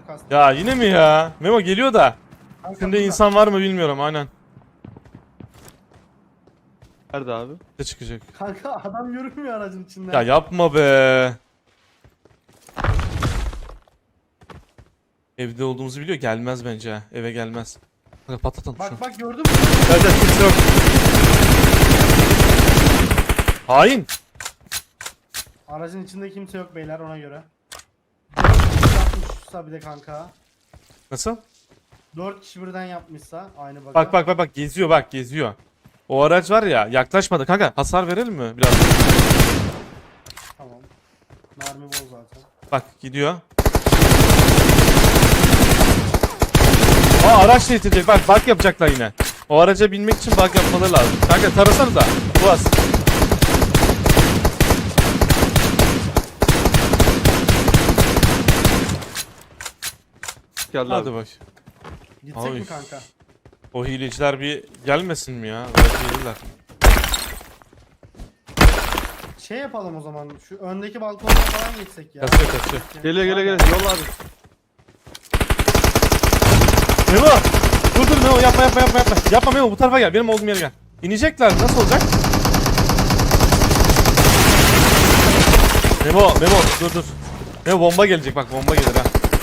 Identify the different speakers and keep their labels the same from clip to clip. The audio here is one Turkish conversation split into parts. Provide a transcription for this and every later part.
Speaker 1: çok kastı.
Speaker 2: Ya yine mi ya? Memo geliyor da.
Speaker 1: Kanka,
Speaker 2: Şimdi
Speaker 1: burada.
Speaker 2: insan var mı bilmiyorum aynen.
Speaker 3: Nerede abi?
Speaker 2: Ne çıkacak?
Speaker 1: Kanka adam yürümüyor aracın içinden.
Speaker 2: Ya yapma be. Evde olduğumuzu biliyor. Gelmez bence ha. Eve gelmez. Kanka patlatalım şunu.
Speaker 1: Bak gördün mü?
Speaker 2: Gel gel kimse yok. Hain.
Speaker 1: Aracın içinde kimse yok beyler ona göre. 4 kişi yapmışsa bir de kanka.
Speaker 2: Nasıl?
Speaker 1: 4 kişi birden yapmışsa aynı bak.
Speaker 2: Bak geziyor bak geziyor. O araç var ya yaklaşmadı kanka. Hasar verelim mi biraz?
Speaker 1: Tamam. Mermi bol zaten.
Speaker 2: Bak gidiyor. Aa araç değiştirecek. Bak yapacaklar yine. O araca binmek için bak yapmaları lazım. Kanka tarasanıza. Boğaz.
Speaker 3: Geldi
Speaker 2: Hadi
Speaker 3: abi.
Speaker 2: bak.
Speaker 1: Gitsek
Speaker 2: Abi.
Speaker 1: mi kanka?
Speaker 2: O hileciler bir gelmesin mi ya? Belki gelirler.
Speaker 1: Şey yapalım o zaman. Şu öndeki balkondan falan geçsek ya.
Speaker 2: Kaçıyor.
Speaker 3: Geliyor. Yolla abi.
Speaker 2: Memo! Dur Memo yapma. Yapma Memo bu tarafa gel. Benim olduğum yere gel. İnecekler. Nasıl olacak? Memo dur. Memo bomba gelecek bak bomba gelir ha.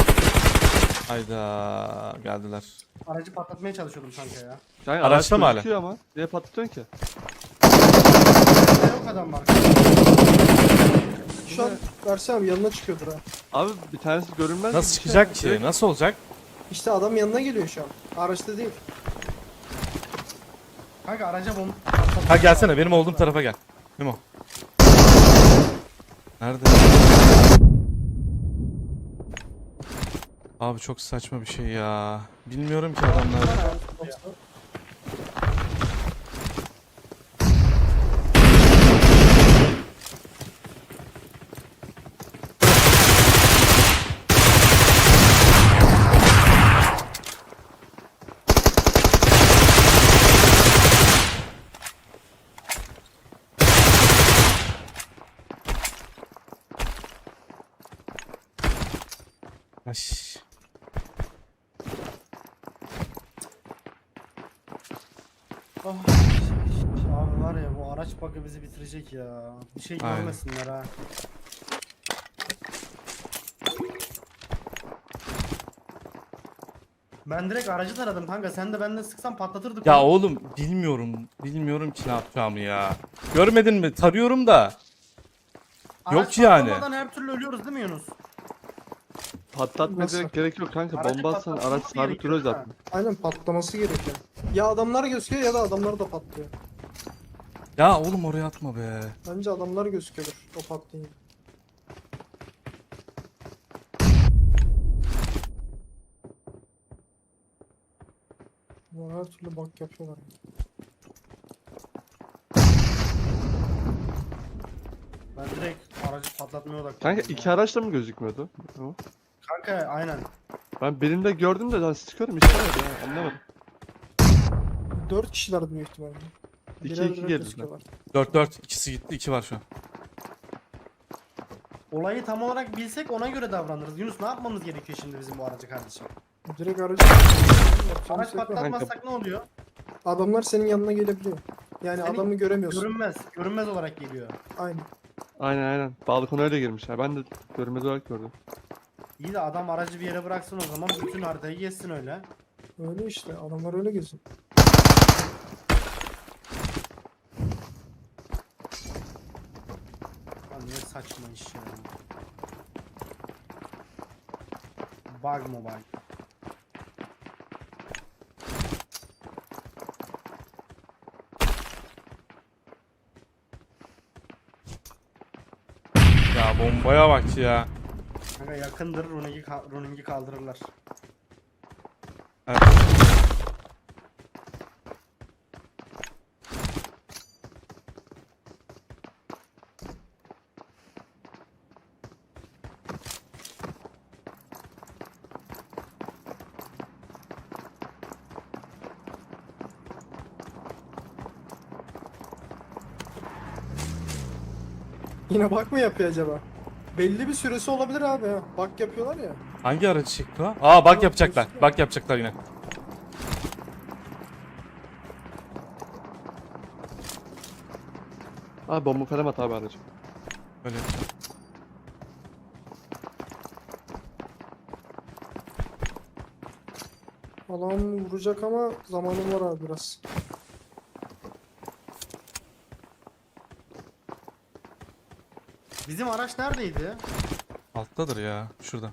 Speaker 2: Hayda geldiler.
Speaker 1: Aracı patlatmaya çalışıyordum kanka ya.
Speaker 3: Kanka
Speaker 2: Araçta mı hala?
Speaker 3: gözüküyor ama. Niye patlatıyorsun ki?
Speaker 1: Ne yok adam var.
Speaker 4: Şu an Ersin abi yanına çıkıyordur ha.
Speaker 3: Abi bir tanesi görünmez.
Speaker 2: Nasıl çıkacak ki? Nasıl olacak?
Speaker 4: İşte adam yanına geliyor şu an. Araçta değil.
Speaker 1: Kanka araca bomba.
Speaker 2: Ha gelsene benim olduğum tarafa gel. Memo. Nerede? Abi çok saçma bir şey ya. Bilmiyorum ki adamlar. Ay.
Speaker 1: Oh. Abi var ya bu araç bug'ı bizi bitirecek ya. Bir şey
Speaker 2: Aynen.
Speaker 1: görmesinler ha. Ben direkt aracı taradım kanka. Sen de benden sıksan patlatırdık.
Speaker 2: Ya
Speaker 1: onu.
Speaker 2: oğlum bilmiyorum ki ne yapacağımı ya. Görmedin mi? Tarıyorum da.
Speaker 1: Araç
Speaker 2: yok yani.
Speaker 1: patlamadan her türlü ölüyoruz değil mi Yunus?
Speaker 3: Patlatmaya
Speaker 4: Nasıl?
Speaker 3: direkt gerek yok kanka.
Speaker 1: Aracı
Speaker 3: Bomba atsan
Speaker 1: patlatması
Speaker 3: araç sabit
Speaker 1: gerekiyor
Speaker 3: duruyor
Speaker 1: ha.
Speaker 3: zaten.
Speaker 4: Aynen patlaması gerekiyor. Ya adamlar gözüküyor ya da adamlar da patlıyor.
Speaker 2: Ya oğlum oraya atma be.
Speaker 4: Bence adamlar gözüküyordur o patlayınca. Bunlar her türlü bak yapıyorlar.
Speaker 1: Ben direkt aracı patlatmaya odaklandım.
Speaker 3: Kanka iki araç da mı gözükmüyordu? O.
Speaker 1: Kanka aynen.
Speaker 3: Ben birinde gördüm de ben sıkıyorum işte öyle ya anlamadım.
Speaker 4: 4 kişiler büyük ihtimalle.
Speaker 3: İki,
Speaker 4: Birer
Speaker 3: iki
Speaker 4: birer
Speaker 3: geldi.
Speaker 4: gözüküyorlar.
Speaker 2: 4 ikisi gitti 2 var şu an.
Speaker 1: Olayı tam olarak bilsek ona göre davranırız. Yunus ne yapmamız gerekiyor şimdi bizim bu aracı kardeşim?
Speaker 4: Direkt aracı
Speaker 1: Araç
Speaker 4: şey
Speaker 1: patlatmazsak ne oluyor?
Speaker 4: adamlar senin yanına gelebiliyor. Yani
Speaker 1: Seni
Speaker 4: adamı göremiyorsun.
Speaker 1: Görünmez olarak geliyor.
Speaker 4: Aynen.
Speaker 3: Aynen. Balkona öyle girmiş ya. Ben de görmez olarak gördüm.
Speaker 1: İyi de adam aracı bir yere bıraksın o zaman bütün haritayı gezsin öyle.
Speaker 4: Öyle işte adamlar öyle geziyor.
Speaker 1: Lan ne saçma iş ya. Bug mı bug?
Speaker 2: Ya bombaya bak ya.
Speaker 1: Kanka yakındır Runing'i kaldırırlar.
Speaker 2: Evet.
Speaker 4: Yine bak mı yapıyor acaba? Belli bir süresi olabilir abi ha. Bak yapıyorlar ya.
Speaker 2: Hangi aracı çekti o? Aa bak yapacaklar. Bak yapacaklar yine.
Speaker 3: Abi bomba falan at abi aracı.
Speaker 2: Öyle yapacağım.
Speaker 4: Alan vuracak ama zamanım var abi biraz.
Speaker 1: Bizim araç neredeydi?
Speaker 2: Alttadır ya. Şurada.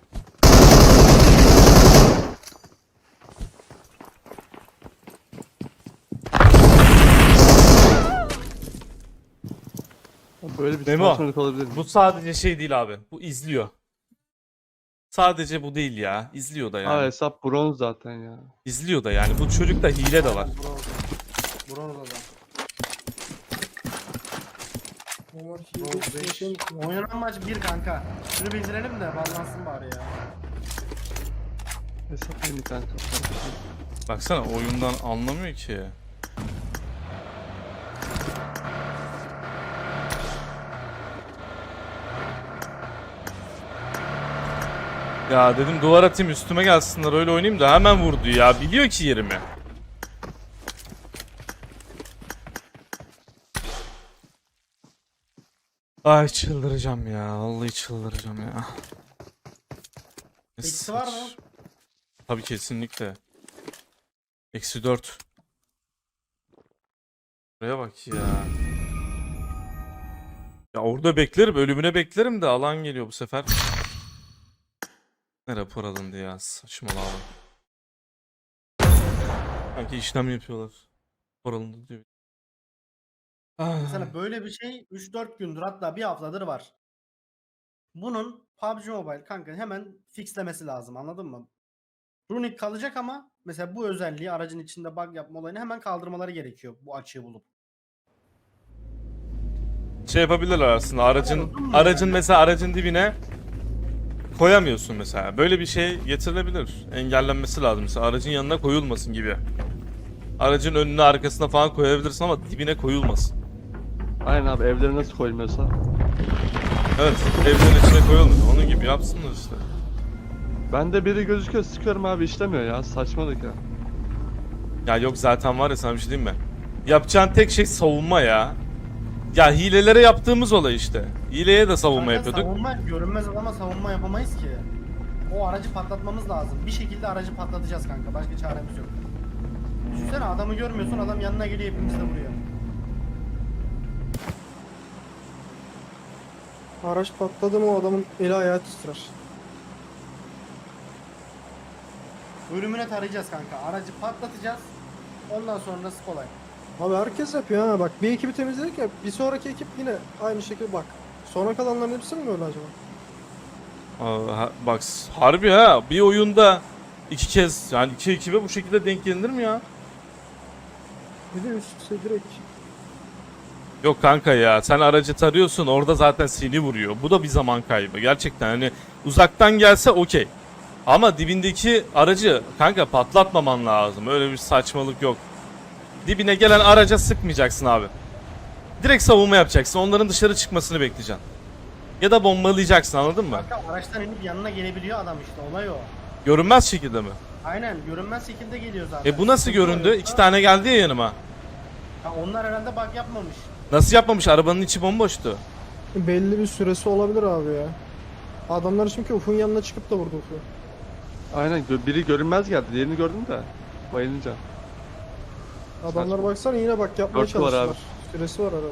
Speaker 3: Abi böyle bir
Speaker 2: Memo,
Speaker 3: saçmalık olabilir mi?
Speaker 2: Bu sadece şey değil abi. Bu izliyor. Sadece bu değil ya. İzliyor da
Speaker 3: Aa
Speaker 2: yani.
Speaker 3: hesap bronz zaten ya.
Speaker 2: İzliyor da yani. Bu çocukta hile de var.
Speaker 1: Bronz adam.
Speaker 4: Onlar
Speaker 1: Bronz
Speaker 4: hile
Speaker 1: beş.
Speaker 4: şey mi?
Speaker 1: Oynanan maç 1 kanka. Şunu bildirelim de ballansın bari ya.
Speaker 3: Hesap yeni kanka.
Speaker 2: Baksana oyundan anlamıyor ki. Ya dedim duvar atayım üstüme gelsinler öyle oynayayım da hemen vurdu ya. Biliyor ki yerimi. Ay çıldıracağım ya. Vallahi çıldıracağım ya.
Speaker 1: Eksi var mı?
Speaker 2: Tabii kesinlikle. Eksi 4. Buraya bak ya. Ya orada beklerim. Ölümüne beklerim de alan geliyor bu sefer. Ne rapor alındı ya. Saçmalama. Sanki işlem yapıyorlar. Rapor alındı diyor. Ah.
Speaker 1: Mesela böyle bir şey 3-4 gündür hatta bir haftadır var. Bunun PUBG Mobile kanka hemen fixlemesi lazım, anladın mı? Runic kalacak ama mesela bu özelliği, aracın içinde bug yapma olayını hemen kaldırmaları gerekiyor bu açığı bulup.
Speaker 2: Şey yapabilirler aslında aracın mesela aracın dibine koyamıyorsun mesela. Böyle bir şey getirilebilir. Engellenmesi lazım. Mesela aracın yanına koyulmasın gibi. Aracın önüne arkasına falan koyabilirsin ama dibine koyulmasın.
Speaker 3: Aynen abi evlere nasıl koyulmuyorsa.
Speaker 2: Evet, evlerin içine koyulmuyor. Onun gibi yapsınlar işte.
Speaker 3: Bende biri gözüküyor sıkıyorum abi işlemiyor ya saçmalık ya.
Speaker 2: Ya yok zaten var ya sana bir şey diyeyim mi? Yapacağın tek şey savunma ya. Ya hilelere yaptığımız olay işte. Hileye de savunma
Speaker 1: Kanka
Speaker 2: yapıyorduk.
Speaker 1: Savunma, görünmez adama savunma yapamayız ki. O aracı patlatmamız lazım. Bir şekilde aracı patlatacağız kanka. Başka çaremiz yok. Düşünsene adamı görmüyorsun, adam yanına geliyor, hepimiz de vuruyor.
Speaker 4: Araç patladı mı o adamın eli ayağı titrer.
Speaker 1: Ölümüne tarayacağız kanka. Aracı patlatacağız. Ondan sonrası kolay.
Speaker 4: Abi herkes yapıyor ha bak bir ekibi temizledik ya bir sonraki ekip yine aynı şekilde bak. Sonra kalanların hepsi mi böyle acaba?
Speaker 2: Bak harbi ha bir oyunda iki kez yani iki ekibe bu şekilde denk gelinir mi ya?
Speaker 4: Bir de üst üste direkt.
Speaker 2: Yok kanka ya sen aracı tarıyorsun orada zaten seni vuruyor. Bu da bir zaman kaybı gerçekten hani uzaktan gelse okey. Ama dibindeki aracı kanka patlatmaman lazım. Öyle bir saçmalık yok. Dibine gelen araca sıkmayacaksın abi. Direkt savunma yapacaksın. Onların dışarı çıkmasını bekleyeceksin. Ya da bombalayacaksın anladın mı?
Speaker 1: Kanka araçtan inip yanına gelebiliyor adam işte, olay o.
Speaker 2: Görünmez şekilde mi?
Speaker 1: Aynen, görünmez şekilde geliyor zaten.
Speaker 2: Bu nasıl göründü? İki tane geldi ya yanıma.
Speaker 1: Ha, onlar herhalde bug yapmamış.
Speaker 2: Nasıl yapmamış? Arabanın içi bomboştu.
Speaker 4: Belli bir süresi olabilir abi ya. Adamlar çünkü Ufuk'un yanına çıkıp da vurdu Ufuk'u.
Speaker 3: Aynen biri görünmez geldi diğerini gördüm de. Bayılınca.
Speaker 4: Adamlar
Speaker 3: Saçma.
Speaker 4: baksana yine bak yapmaya
Speaker 3: Dörtlü var
Speaker 4: çalıştılar.
Speaker 3: abi.
Speaker 4: Süresi var arada.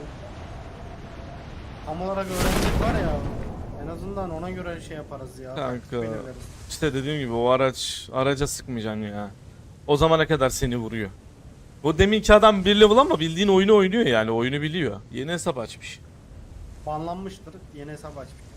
Speaker 1: Tam olarak öğrenecek var ya. En azından ona göre şey yaparız ya.
Speaker 2: Kanka.
Speaker 1: Belirleriz.
Speaker 2: İşte dediğim gibi o araca sıkmayacaksın ya. O zamana kadar seni vuruyor. Bu deminki adam bir level ama bildiğin oyunu oynuyor yani oyunu biliyor. Yeni hesap açmış.
Speaker 1: Banlanmıştır. Yeni hesap açmış.